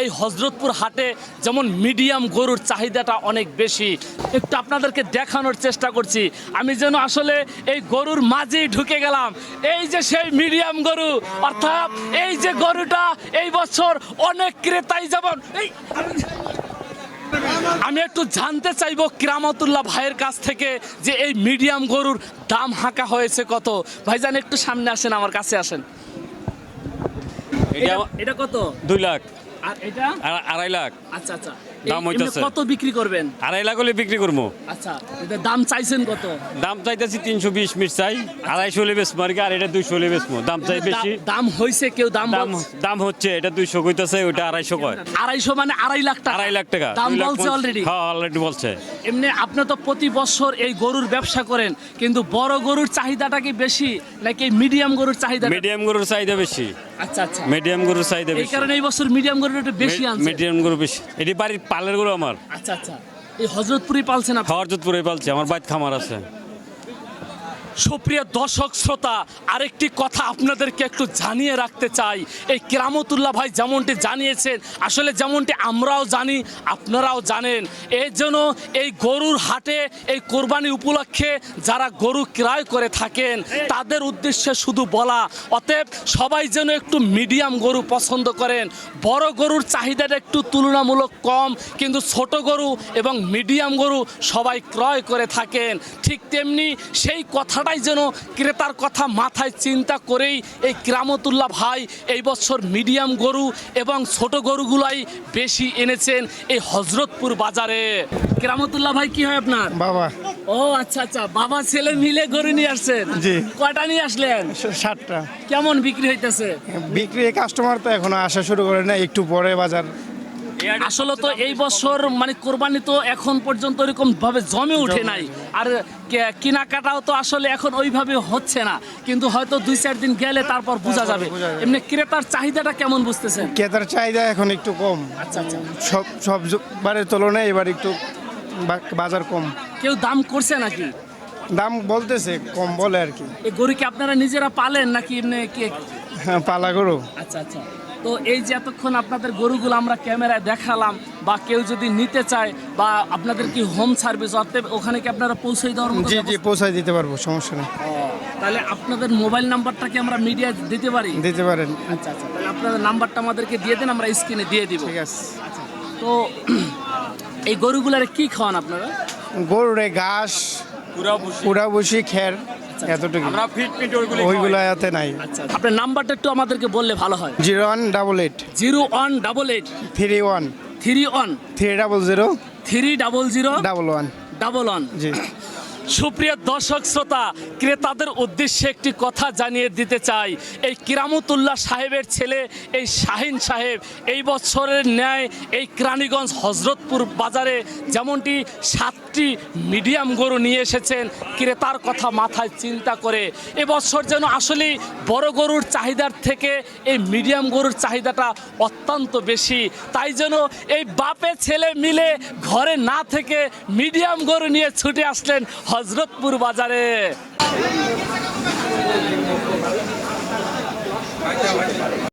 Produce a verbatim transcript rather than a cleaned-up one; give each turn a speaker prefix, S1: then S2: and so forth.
S1: এই হযরতপুর হাটে যেমন মিডিয়াম গরুর চাহিদাটা অনেক বেশি। একটু আপনাদেরকে দেখানোর চেষ্টা করছি, আমি যেন আসলে এই গরুর মাঝেই ঢুকে গেলাম। এই যে সেই মিডিয়াম গরু, অর্থাৎ এই যে গরুটা এই বছর অনেক ক্রেতাই যেমন এই আমি একটু জানতে চাইবো কিরামতুল্লাহ ভাইয়ের কাছ থেকে যে এই মিডিয়াম গরুর দাম হাঁকা হয়েছে কত। ভাইজান একটু সামনে আসেন, আমার কাছে আসেন। এটা এটা কত?
S2: দুই লাখ।
S1: আর এটা
S2: আড়াই লাখ।
S1: আচ্ছা আচ্ছা,
S2: দাম হইতাছে।
S1: কত বিক্রি করবেন?
S2: আড়াই লাখ হলে বিক্রি করবো।
S1: আচ্ছা, এটা দাম চাইছেন কত?
S2: দাম চাইতেছি তিনশো বিশ মিট চাই, আড়াইশো হলে বেচবো আর কি, আর এটা দুইশো হলে বেচবো। দাম চাই বেশি।
S1: দাম হয়েছে, কেউ দাম
S2: দাম দাম হচ্ছে, এটা দুইশো কইতাছে, ওইটা আড়াইশো কয়।
S1: আড়াইশো মানে আড়াই লাখ টাকা।
S2: আড়াই লাখ টাকা
S1: দাম বলছে অলরেডি।
S2: হ্যাঁ অলরেডি বলছে।
S1: এমনি আপনি তো প্রতি বছর এই গরুর ব্যবসা করেন, কিন্তু বড় গরুর চাহিদাটা কি বেশি নাকি মিডিয়াম গরুর চাহিদা?
S2: মিডিয়াম গরুর চাহিদা বেশি।
S1: আচ্ছা আচ্ছা,
S2: মিডিয়াম গরুর চাহিদা
S1: এই
S2: বেশি।
S1: কারণে এই বছর মিডিয়াম গরুর একটু বেশি আনছে।
S2: মিডিয়াম গরু বেশি। এটি বাড়ির পালের গরু আমার।
S1: আচ্ছা আচ্ছা, এই হযরতপুরে পালছেন আপনি?
S2: হযরতপুরে পালছে, আমার বাইত খামার আছে।
S1: সুপ্রিয় দর্শক শ্রোতা, আরেকটি কথা আপনাদেরকে একটু জানিয়ে রাখতে চাই। এই কিরামতুল্লাহ ভাই যেমনটি জানিয়েছেন, আসলে যেমনটি আমরাও জানি আপনারাও জানেন, এই জন্য এই গরুর হাটে এই কোরবানি উপলক্ষে যারা গরু ক্রয় করে থাকেন তাদের উদ্দেশ্যে শুধু বলা, অতএব সবাই যেন একটু মিডিয়াম গরু পছন্দ করেন। বড় গরুর চাহিদাটা একটু তুলনামূলক কম, কিন্তু ছোট গরু এবং মিডিয়াম গরু সবাই ক্রয় করে থাকেন। ঠিক তেমনি সেই কথা যেন ক্রেতার কথা মাথায় চিন্তা করেই এই কিরামতুল্লাহ ভাই এই বছর মিডিয়াম গরু এবং ছোট গরুগুলাই বেশি এনেছেন এই হযরতপুর বাজারে। কিরামতুল্লাহ ভাই কি হয় আপনার?
S3: বাবা।
S1: ও আচ্ছা আচ্ছা, বাবা ছেলে মিলে গরু নিয়ে আসছেন?
S3: জি।
S1: কয়টা নিয়ে আসলেন?
S3: ষাটটা।
S1: কেমন বিক্রি হইতেছে?
S3: বিক্রি কাস্টমার তো এখনো আসা শুরু করে না, একটু পরে বাজার।
S1: আসলে তো এই বছর মানে কোরবানি তো এখন পর্যন্ত এরকম ভাবে জমে উঠে নাই, আর কেনাকাটাও তো আসলে এখন ওইভাবে হচ্ছে না, কিন্তু হয়তো দুই চার দিন গেলে তারপর বোঝা যাবে। এমনি ক্রেতার চাহিদাটা কেমন বুঝতেছেন?
S3: ক্রেতার চাহিদা এখন একটু কম।
S1: আচ্ছা আচ্ছা,
S3: সব সব বারের তুলনায় এবার একটু বাজার কম।
S1: কেউ দাম করছে নাকি?
S3: দাম বলতেছে, কম বলে আর কি।
S1: এই গরু কি আপনারা নিজেরা পালেন নাকি এমনি কে?
S3: হ্যাঁ, পালা গরু।
S1: আচ্ছা আচ্ছা, তো এই যে এতক্ষণ আপনাদের গরুগুলো আমরা ক্যামেরায় দেখালাম, বা কেউ যদি নিতে চায় বা আপনাদের কি হোম সার্ভিস, অর্থাৎ ওখানে কি আপনারা পৌঁছে দেওয়ার মতো?
S3: জি জি, পৌঁছায় দিতে পারবো, সমস্যা নেই।
S1: তাহলে আপনাদের মোবাইল নাম্বারটা কি আমরা মিডিয়া দিতে পারি?
S3: দিতে পারেন।
S1: আচ্ছা আচ্ছা, তাহলে আপনাদের নাম্বারটা আমাদেরকে দিয়ে দেন, আমরা স্ক্রিনে দিয়ে দিব।
S3: ঠিক আছে।
S1: তো এই গরুগুলারে কি খাওয়ান আপনারা?
S3: গরুরে ঘাস, পুরা বসি, খের, এতটুকু।
S2: আমরা ফিট ফিট
S3: ওইগুলো এতে নাই।
S1: আচ্ছা, আপনার নাম্বারটা একটু আমাদেরকে বললে ভালো হয়।
S3: Zero one double eight
S1: zero one double eight
S3: three one
S1: three one
S3: three double zero
S1: three double zero
S3: double one
S1: double one.
S3: জি।
S1: সুপ্রিয় দর্শক শ্রোতা, ক্রেতাদের উদ্দেশ্যে একটি কথা জানিয়ে দিতে চাই। এই কিরামতুল্লাহ সাহেবের ছেলে এই শাহিন সাহেব এই বছরের ন্যায় এই কেরানীগঞ্জ হযরতপুর বাজারে যেমনটি সাতটি মিডিয়াম গরু নিয়ে এসেছেন ক্রেতার কথা মাথায় চিন্তা করে। এবছর যেন আসলে বড় গরুর চাহিদার থেকে এই মিডিয়াম গরুর চাহিদাটা অত্যন্ত বেশি, তাই যেন এই বাপে ছেলে মিলে ঘরে না থেকে মিডিয়াম গরু নিয়ে ছুটে আসলেন হযরতপুর বাজারে।